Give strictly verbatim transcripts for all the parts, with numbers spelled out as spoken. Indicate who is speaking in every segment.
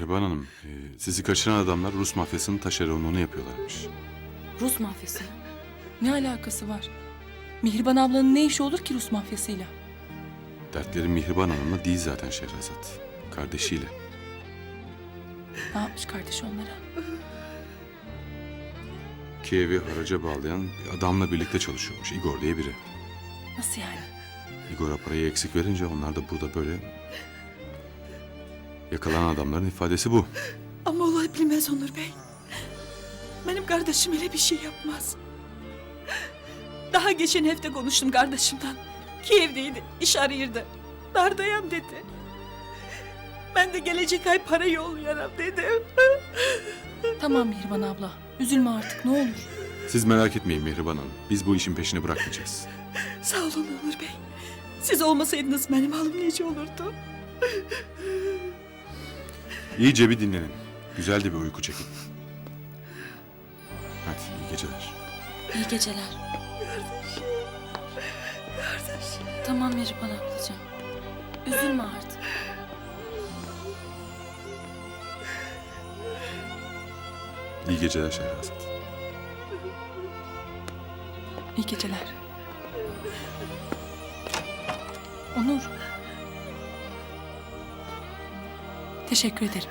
Speaker 1: Mihriban Hanım, e, sizi kaçıran adamlar Rus mafyasının taşeronluğunu yapıyorlarmış.
Speaker 2: Rus mafyası mı? Ne alakası var? Mihriban ablanın ne işi olur ki Rus mafyasıyla?
Speaker 1: Dertleri Mihriban Hanım'la değil zaten Şehrazat. Kardeşiyle.
Speaker 2: Ne yapmış kardeş onlara?
Speaker 1: Kiev'i haraca bağlayan bir adamla birlikte çalışıyormuş. Igor diye biri.
Speaker 2: Nasıl yani?
Speaker 1: Igor'a parayı eksik verince onlar da burada böyle... Yakalanan adamların ifadesi bu.
Speaker 3: Ama olay bilmez Onur Bey. Benim kardeşim öyle bir şey yapmaz. Daha geçen hafta konuştum kardeşimden. Kiev'deydi, iş arıyordu. Dardayam dedi. Ben de gelecek ay para yollayarım dedim.
Speaker 2: Tamam Mihriban abla. Üzülme artık ne olur.
Speaker 1: Siz merak etmeyin Mihriban Hanım. Biz bu işin peşini bırakmayacağız.
Speaker 3: Sağ olun Onur Bey. Siz olmasaydınız benim halim nece olurdu?
Speaker 1: İyice bir dinlenin. Güzel de bir uyku çekin. Hadi iyi geceler.
Speaker 2: İyi geceler.
Speaker 3: Kardeşim. Kardeşim.
Speaker 2: Tamam Mihriban ablacığım. Üzülme artık.
Speaker 1: İyi geceler Şehrazat.
Speaker 2: İyi geceler. Onur. Teşekkür ederim.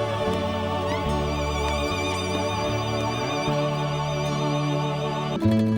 Speaker 2: Thank you.